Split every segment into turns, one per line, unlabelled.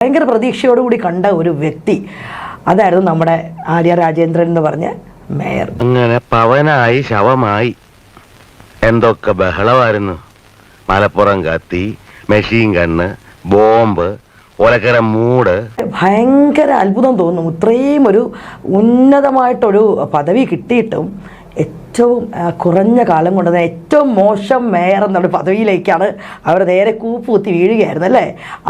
ഭയങ്കര പ്രതീക്ഷയോടുകൂടി കണ്ട ഒരു വ്യക്തി അതായിരുന്നു നമ്മുടെ ആര്യ രാജേന്ദ്രൻ എന്ന് പറഞ്ഞ മേയർ.
അങ്ങനെ പവനായി ശവമായി എന്തൊക്കെ ബഹളമായിരുന്നു. മലപ്പുറം കത്തി, മെഷീൻ ഗണ്ണ്, ബോംബ്, ഒലക്കര മൂട്.
ഭയങ്കര അത്ഭുതം തോന്നും. ഇത്രയും ഒരു ഉന്നതമായിട്ടൊരു പദവി കിട്ടിയിട്ടും ഏറ്റവും കുറഞ്ഞ കാലം കൊണ്ട് തന്നെ ഏറ്റവും മോശം മേയർ എന്നുള്ള പദവിയിലേക്കാണ് അവർ നേരെ കൂപ്പുകുത്തി വീഴുകയായിരുന്നു അല്ലേ.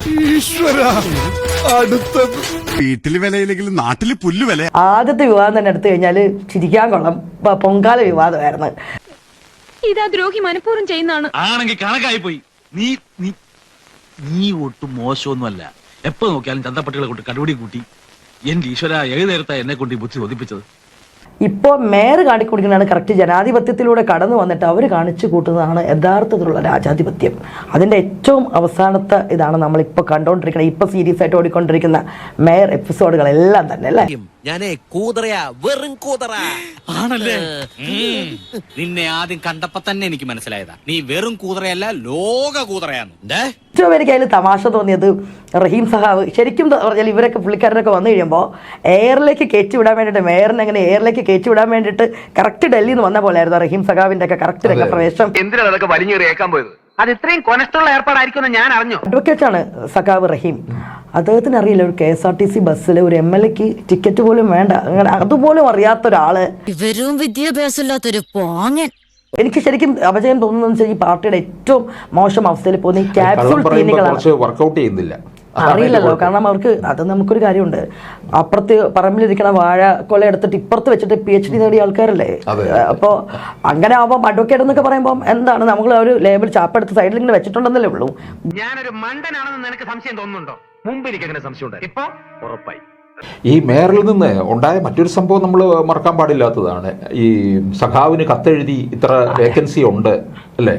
വീട്ടില് വിലയില്ലെങ്കിലും നാട്ടില് പുല്ല് വില.
ആദ്യത്തെ വിവാദം തന്നെ എടുത്തു കഴിഞ്ഞാൽ ചിരിക്കാൻ കൊള്ളാം, പൊങ്കാല വിവാദമായിരുന്നു.
ഇതാ ദ്രോഹി മനഃപൂർവ്വം ചെയ്യുന്നതാണ്.
ആണെങ്കിൽ കണക്കായി പോയി. നീ നീ നീ ഒട്ടും മോശമൊന്നുമല്ല. എപ്പോ നോക്കിയാലും ചന്തപ്പട്ടികളെ കൊണ്ട് കടുപിടി കൂട്ടി എന്റെ ഈശ്വര ഏത് നേരത്താ എന്നെ കൊണ്ട് ഈ ബുദ്ധി ഒതിപ്പിച്ചത്.
ഇപ്പോൾ മേയർ കാണിക്കൊടുക്കുന്നതാണ് കറക്റ്റ് ജനാധിപത്യത്തിലൂടെ കടന്നു വന്നിട്ട് അവർ കാണിച്ചു കൂട്ടുന്നതാണ് യഥാർത്ഥത്തിലുള്ള രാജാധിപത്യം. അതിൻ്റെ ഏറ്റവും അവസാനത്തെ ഇതാണ് നമ്മളിപ്പോൾ കണ്ടുകൊണ്ടിരിക്കുന്നത്. ഇപ്പോൾ സീരിയസ് ആയിട്ട് ഓടിക്കൊണ്ടിരിക്കുന്ന മേയർ എപ്പിസോഡുകളെല്ലാം തന്നെ അല്ലേ.
ഞാനേ കൂതറയാ, വെറും കൂതറ
ആണല്ലേ?
നിന്നെ ആദ്യം കണ്ടപ്പോ തന്നെ എനിക്ക് മനസ്സിലായതാ നീ വെറും കൂതറയല്ല, ലോക കൂതറയാന്ന്.
ഏറ്റവും എനിക്ക് അതിൽ തമാശ തോന്നിയത് റഹീം സഹാവ് ശരിക്കും പറഞ്ഞാൽ ഇവരൊക്കെ പുള്ളിക്കാരനൊക്കെ വന്നു കഴിയുമ്പോൾ എയറിലേക്ക് കയറ്റി വിടാൻ വേണ്ടിയിട്ട് മേയറിനെ അങ്ങനെ എയറിലേക്ക് കയറ്റി വിടാൻ വേണ്ടിയിട്ട് കറക്റ്റ് ഡൽഹിയിൽ നിന്ന് വന്ന പോലെയായിരുന്നു റഹീം സഹാവിന്റെ ഒക്കെ കറക്റ്റ് രംഗപ്രവേശം.
എന്തിനാണ് അതൊക്കെ വലിഞ്ഞേറിയേക്കാൻ പോയത്? അത് ഇത്രയും കൊനഷ്ടമുള്ള ഏർപ്പാടായിരിക്കും ഞാൻ അറിഞ്ഞു.
അഡ്വക്കേറ്റാണ് സഖാവ് റഹീം. അദ്ദേഹത്തിന് അറിയില്ല ഒരു KSRTC ബസ്സിൽ ഒരു MLA-ക്ക് ടിക്കറ്റ് പോലും വേണ്ട, അങ്ങനെ അതുപോലും അറിയാത്ത ഒരാള്.
ഇവരും വിദ്യാഭ്യാസമില്ലാത്തൊരു പോങ്ങൻ.
എനിക്ക് ശരിക്കും അപജയം തോന്നുന്നത് വെച്ചാൽ ഈ പാർട്ടിയുടെ ഏറ്റവും മോശം അവസ്ഥയിൽ പോകുന്ന ഈ ക്യാപ്സൂൾ ക്ലീനികളാണ്.
വർക്കൗട്ട് ചെയ്യുന്നില്ല,
അറിയില്ലല്ലോ. കാരണം അവർക്ക് അത് നമുക്കൊരു കാര്യമുണ്ട്, അപ്പുറത്ത് പറമ്പിലിരിക്കണ വാഴ കൊല എടുത്തിട്ട് ഇപ്പുറത്ത് വെച്ചിട്ട് PhD നേടിയ ആൾക്കാരല്ലേ. അപ്പോൾ അങ്ങനെ ആവുമ്പോൾ അഡ്വക്കേറ്റ് എന്നൊക്കെ പറയുമ്പോൾ എന്താണ് നമ്മൾ ഒരു ലേബിൾ ചാപ്പെടുത്ത് സൈഡിൽ ഇങ്ങനെ വെച്ചിട്ടുണ്ടെന്നല്ലേ ഉള്ളൂ.
ഞാനൊരു മണ്ടനാണെന്ന് നിനക്ക് സംശയം തോന്നുന്നുണ്ടോ? മുമ്പ് എനിക്ക് അങ്ങനെ സംശയം ഉണ്ടായി, ഇപ്പൊ ഉറപ്പായി.
ഈ മേയറിൽ നിന്ന് ഉണ്ടായ മറ്റൊരു സംഭവം നമ്മൾ മറക്കാൻ പാടില്ലാത്തതാണ്. ഈ സഖാവിന് കത്തെഴുതി ഇത്ര വേക്കൻസി ഉണ്ട് അല്ലേ.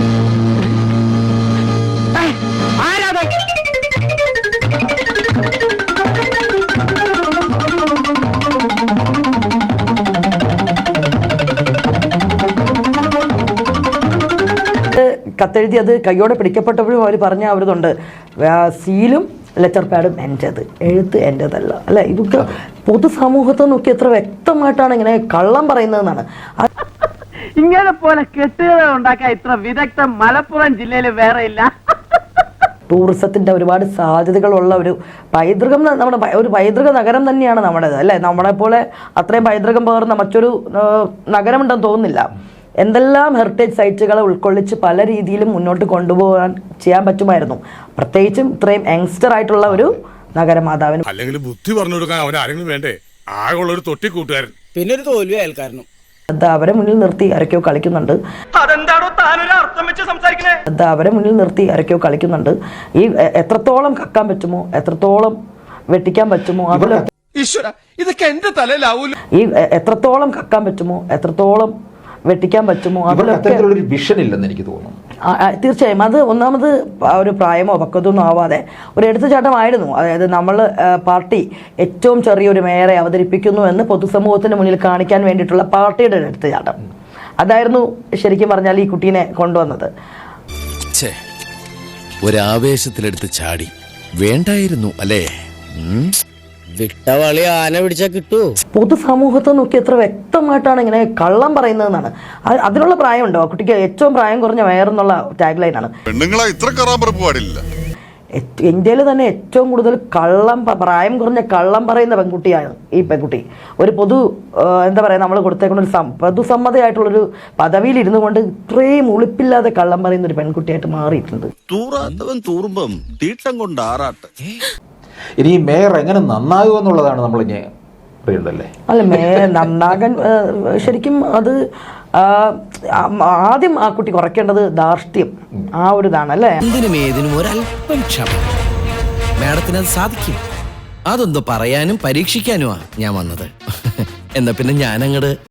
കത്തെഴുതി അത് കയ്യോടെ പിടിക്കപ്പെട്ടപ്പോഴും അവർ പറഞ്ഞ അവരിതുണ്ട്, സീലും ലെറ്റർ പാഡും എൻ്റേത്, എഴുത്ത് എൻ്റേതല്ല അല്ലെ. ഇതൊക്കെ പൊതുസമൂഹത്തെ നോക്കി എത്ര വ്യക്തമായിട്ടാണ് ഇങ്ങനെ കള്ളം പറയുന്നതെന്നാണ്.
ഇങ്ങനെ പോലെ കെട്ടുകഥ ഉണ്ടാക്കാൻ ഇത്ര വിദഗ്ധം മലപ്പുറം ജില്ലയിൽ വേറെ ഇല്ല.
ടൂറിസത്തിന്റെ ഒരുപാട് സാധ്യതകളുള്ള ഒരു പൈതൃകം, നമ്മുടെ ഒരു പൈതൃക നഗരം തന്നെയാണ് നമ്മുടേത് അല്ലേ. നമ്മളെ പോലെ അത്രയും പൈതൃകം പകർന്ന മറ്റൊരു നഗരമുണ്ടെന്ന് തോന്നുന്നില്ല. എന്തെല്ലാം ഹെറിറ്റേജ് സൈറ്റുകളെ ഉൾക്കൊള്ളിച്ച് പല രീതിയിലും മുന്നോട്ട് കൊണ്ടുപോകാൻ ചെയ്യാൻ പറ്റുമായിരുന്നു, പ്രത്യേകിച്ചും ഇത്രയും യങ്സ്റ്റർ ആയിട്ടുള്ള ഒരു നഗരമാതാവിന്.
അല്ലെങ്കിൽ ബുദ്ധി പറഞ്ഞു കൊടുക്കാൻ അവൻ ആരെങ്കിലും വേണ്ടേ? ആകെയുള്ള ഒരു തൊട്ടിക്കൂട്ടുകാരൻ,
പിന്നെ ഒരു തോൽവി അയൽക്കാരനും.
അവരെ മുന്നിൽ നിർത്തി ആരൊക്കെയോ കളിക്കുന്നുണ്ട്. അവരെ മുന്നിൽ നിർത്തി ആരൊക്കെയോ കളിക്കുന്നുണ്ട്. ഈ എത്രത്തോളം കക്കാൻ പറ്റുമോ, എത്രത്തോളം വെട്ടിക്കാൻ പറ്റുമോ,
ഇതൊക്കെ എന്റെ തലയിലാവൂല.
ഈ എത്രത്തോളം കക്കാൻ പറ്റുമോ, എത്രത്തോളം വെട്ടിക്കാൻ പറ്റുമോ,
അതിലൊരു വിഷൻ ഇല്ലെന്ന് എനിക്ക് തോന്നുന്നു.
തീർച്ചയായും അത് ഒന്നാമത് ഒരു പ്രായമോ പക്വതൊന്നും ആവാതെ ഒരു എടുത്തുചാട്ടമായിരുന്നു. അതായത് നമ്മൾ പാർട്ടി ഏറ്റവും ചെറിയൊരു മേയറെ അവതരിപ്പിക്കുന്നു എന്ന് പൊതുസമൂഹത്തിന് മുന്നിൽ കാണിക്കാൻ വേണ്ടിയിട്ടുള്ള പാർട്ടിയുടെ ഒരു എടുത്തുചാട്ടം അതായിരുന്നു ശരിക്കും പറഞ്ഞാൽ ഈ കുട്ടീനെ കൊണ്ടുവന്നത്.
ഒരാവേശത്തിലെടുത്ത് ചാടി വേണ്ടായിരുന്നു അല്ലേ.
വിട്ടവളി ആന പിടിച്ചാ കിട്ടൂ.
പൊതുസമൂഹത്തെ നോക്കി എത്ര വ്യക്തമായിട്ടാണ് ഇങ്ങനെ കള്ളം പറയുന്നതെന്നാണ്. അതിനുള്ള പ്രായമുണ്ടോ ആ കുട്ടിക്ക്? ഏറ്റവും പ്രായം കുറഞ്ഞ മേയർ എന്നുള്ള ടാഗ് ലൈനാണ്. ഇന്ത്യയിൽ തന്നെ ഏറ്റവും കൂടുതൽ പ്രായം കുറഞ്ഞ കള്ളം പറയുന്ന പെൺകുട്ടിയാണ് ഈ പെൺകുട്ടി. ഒരു എന്താ പറയുക, നമ്മൾ കൊടുത്തേക്കുന്ന ഒരു പൊതുസമ്മതയായിട്ടുള്ളൊരു പദവിയിൽ ഇരുന്നു കൊണ്ട് ഇത്രയും ഉളിപ്പില്ലാതെ കള്ളം പറയുന്ന ഒരു പെൺകുട്ടിയായിട്ട് മാറിയിട്ടുണ്ട്.
തൂറുമ്പം തീട്ടം കൊണ്ട് ആറാട്ട്.
ഇനി ഈ മേയർ എങ്ങനെ നന്നാകുക എന്നുള്ളതാണ് നമ്മൾ ഇനി അറിയേണ്ടല്ലേ.
അല്ല, മേയർ നന്നാകാൻ ശരിക്കും അത് ആദ്യം ആ കുട്ടി കുറയ്ക്കേണ്ടത് ധാർഷ്ട്യം, ആ ഒരു ഇതാണ് അല്ലേ.
എന്തിനും ഏതിനും ഒരല്പം ക്ഷമ. മാഡത്തിന് അത് സാധിക്കും. അതൊന്ന് പറയാനും പരീക്ഷിക്കാനുമാ ഞാൻ വന്നത്. എന്നാ പിന്നെ ഞാനങ്ങട്